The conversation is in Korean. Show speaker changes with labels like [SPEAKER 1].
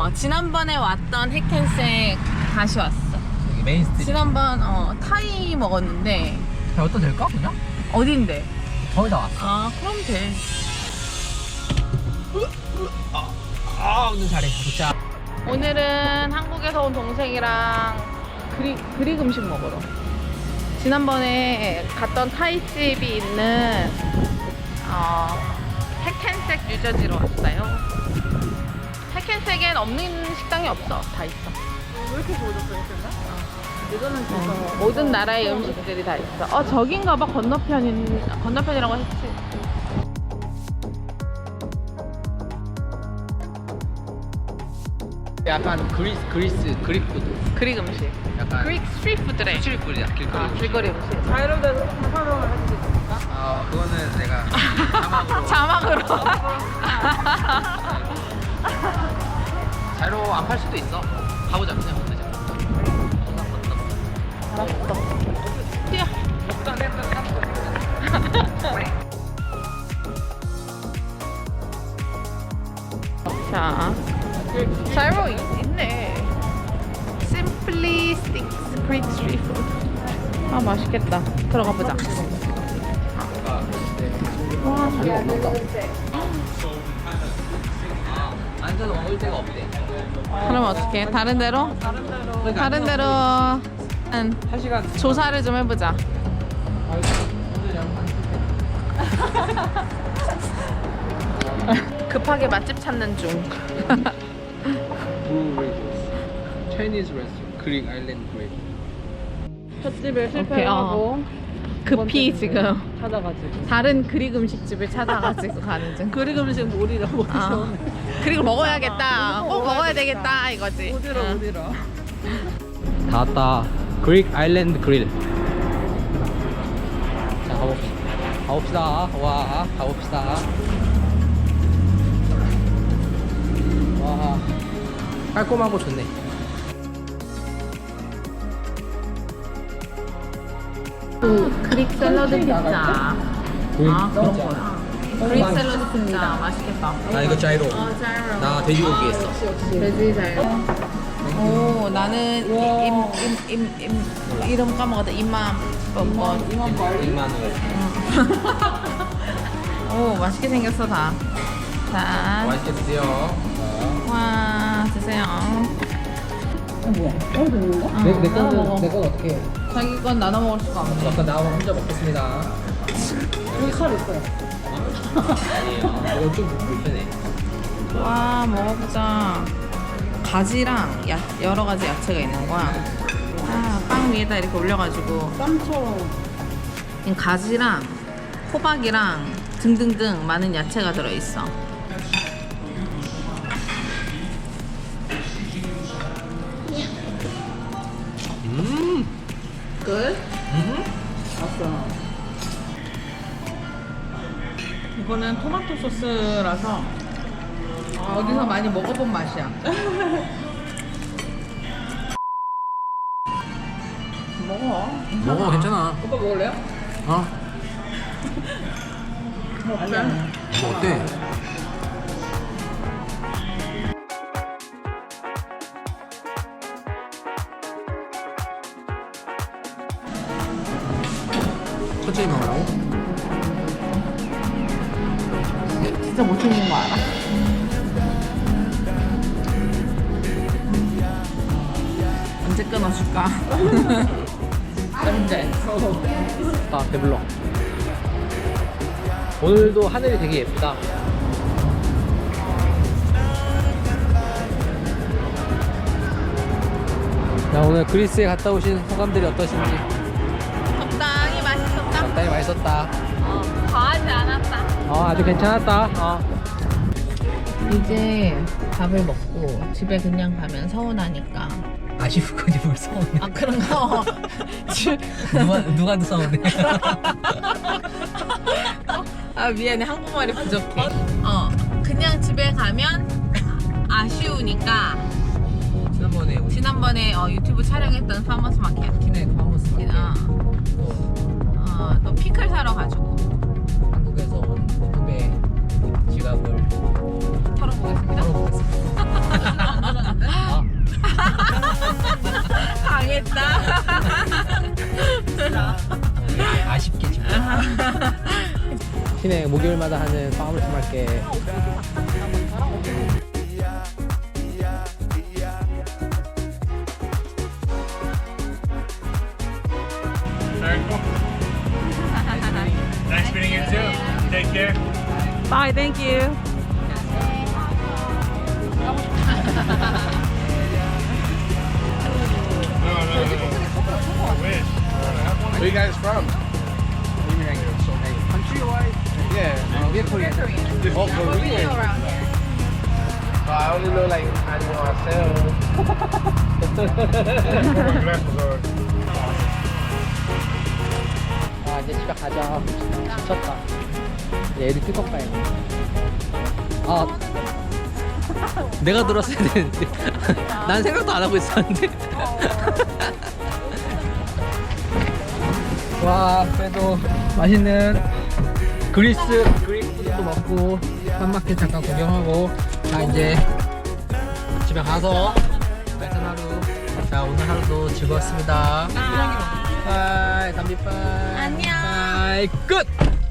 [SPEAKER 1] 지난번에 왔던 핵캔색 다시 왔어.
[SPEAKER 2] 여기 메인 스트리트.
[SPEAKER 1] 지난번 타이 먹었는데
[SPEAKER 2] 어떤 될까 그냥?
[SPEAKER 1] 어딘데?
[SPEAKER 2] 거의 다 왔어.
[SPEAKER 1] 아 그럼 돼.
[SPEAKER 2] 오늘 잘해. 진짜.
[SPEAKER 1] 오늘은 한국에서 온 동생이랑 그릭 음식 먹으러. 지난번에 갔던 타이집이 있는 핵캔색 유저지로 왔어요. 핵캔색엔 없는 식당이 없어. 다 있어.
[SPEAKER 3] 왜 이렇게 좋아졌어, 이거는 진짜.
[SPEAKER 1] 모든 나라의 음식들이 다 있어. 저긴가 봐. 건너편이라고 했지.
[SPEAKER 2] 약간 그릭 푸드.
[SPEAKER 1] 그릭 음식.
[SPEAKER 2] 약간
[SPEAKER 1] 그릭 스트리트푸드래.
[SPEAKER 2] 스트리트푸드야. 길거리.
[SPEAKER 1] 길거리 음식.
[SPEAKER 3] 자이로드에서 설명을 해줄 수 있습니까?
[SPEAKER 2] 그거는 내가 자막으로.
[SPEAKER 1] 자막으로.
[SPEAKER 2] 자로 안 팔 수도 있어. 가보자 그냥.
[SPEAKER 1] 알았어. 뛰어. 자, 자이로 있네. Simply Sticks Greek Street Food. 맛있겠다. 들어가 보자. 와,
[SPEAKER 2] 앉아서 먹을 데가 없대.
[SPEAKER 1] 그럼 어떡해? 다른 데로? 다른 데로 한
[SPEAKER 2] 1시간.
[SPEAKER 1] 조사를 좀 해보자. 급하게 맛집 찾는 중.
[SPEAKER 2] Chinese restaurant. 그릭 아일랜드 그릭.
[SPEAKER 3] 첫 집에
[SPEAKER 1] 오케이,
[SPEAKER 3] 실패하고
[SPEAKER 1] 급히 지금
[SPEAKER 3] 찾아가지고.
[SPEAKER 1] 다른 그릭 음식집을 찾아가지고 가는 중.
[SPEAKER 3] 그릭 음식 어디라고
[SPEAKER 1] 아, 그리고 먹어야겠다. 꼭 먹어야 되겠다 이거지.
[SPEAKER 3] 어디로
[SPEAKER 1] 응.
[SPEAKER 3] 어디로.
[SPEAKER 2] 다 왔다. 그릭 아일랜드 그릴. 자 가봅시다. 와 가봅시다. 와 깔끔하고 좋네.
[SPEAKER 1] 그릭 샐러드 피자. 그런
[SPEAKER 2] 피자.
[SPEAKER 1] 거야. 그릭 샐러드 피자 맛있겠다.
[SPEAKER 2] 나 이거 자이로.
[SPEAKER 1] 자이로.
[SPEAKER 2] 나 돼지고기 했어.
[SPEAKER 1] 돼지 자이로. 오, 나는 이름 까먹었다. 이맘 뭐.
[SPEAKER 2] 2만 원.
[SPEAKER 1] 오, 맛있게 생겼어 다. 자,
[SPEAKER 2] 맛있게 드세요.
[SPEAKER 1] 와 드세요.
[SPEAKER 3] 뭐야? 되는 거?
[SPEAKER 2] 내
[SPEAKER 1] 나눠 먹어.
[SPEAKER 2] 거는 어떻게 해?
[SPEAKER 1] 자기 건 나눠 먹을 수가 없네.
[SPEAKER 2] 아까 나 혼자 먹겠습니다.
[SPEAKER 3] 여기 칼 있어요.
[SPEAKER 2] 아니에요. 이거 좀 불편해.
[SPEAKER 1] 와 먹어보자. 가지랑 여러 가지 야채가 있는 거야. 빵 위에다 이렇게 올려가지고
[SPEAKER 3] 쌈처럼.
[SPEAKER 1] 이 가지랑 호박이랑 등등등 많은 야채가 들어있어. 끝?
[SPEAKER 3] 왔어.
[SPEAKER 1] 이거는 토마토 소스라서 어디서 많이 먹어본 맛이야.
[SPEAKER 2] 먹어 괜찮아.
[SPEAKER 1] 오빠 먹을래요?
[SPEAKER 3] 아니야.
[SPEAKER 2] 뭐 어때? 천천히 먹으라고?
[SPEAKER 1] 진짜 못 챙긴 거 알아? 언제 끊어줄까? 언제?
[SPEAKER 2] 아 배불러. 오늘도 하늘이 되게 예쁘다. 자 오늘 그리스에 갔다 오신 소감들이 어떠신지.
[SPEAKER 1] 적당히 맛있었다?
[SPEAKER 2] 적당히 맛있었다.
[SPEAKER 1] 과하지 않았다.
[SPEAKER 2] 아주 괜찮았다.
[SPEAKER 1] 이제 밥을 먹고 집에 그냥 가면 서운하니까.
[SPEAKER 2] 아쉬운 거지 뭘 서운해.
[SPEAKER 1] 아 그런가?
[SPEAKER 2] 누구한테 서운해.
[SPEAKER 1] 아 미안해, 한국말이 부족해. 그냥 집에 가면 아쉬우니까 지난번에 유튜브 촬영했던 파머스 마켓.
[SPEAKER 2] 키네 파머스 마켓.
[SPEAKER 1] 또 피클 사러 가지고
[SPEAKER 2] 한국에서 온 후배 지갑을
[SPEAKER 1] 털어보겠습니다.
[SPEAKER 2] 털어보겠습니다.
[SPEAKER 4] 시내 목요일마다 하는 파머스 마켓.
[SPEAKER 5] Very cool. Nice meeting you too. Take care.
[SPEAKER 1] Bye, thank you.
[SPEAKER 5] Where you guys from?
[SPEAKER 4] Country-wise?
[SPEAKER 5] Yeah,
[SPEAKER 4] we're Korean.
[SPEAKER 5] oh, Korean.
[SPEAKER 2] I only know like 안녕하세요.
[SPEAKER 4] 아, 이제 집에 가자. 지쳤다. 이제 애들 픽업 가야 돼. 아, 내가 들었어야 되는데. 난 생각도 안 하고 있었는데. 와, 그래도 맛있는 그리스 푸드도 먹고 쌈마켓 잠깐 구경하고 자 이제 집에 가서 발전 하루. 자 오늘 하루도 즐거웠습니다. 바이 담비 바이. 안녕. 바이 끝.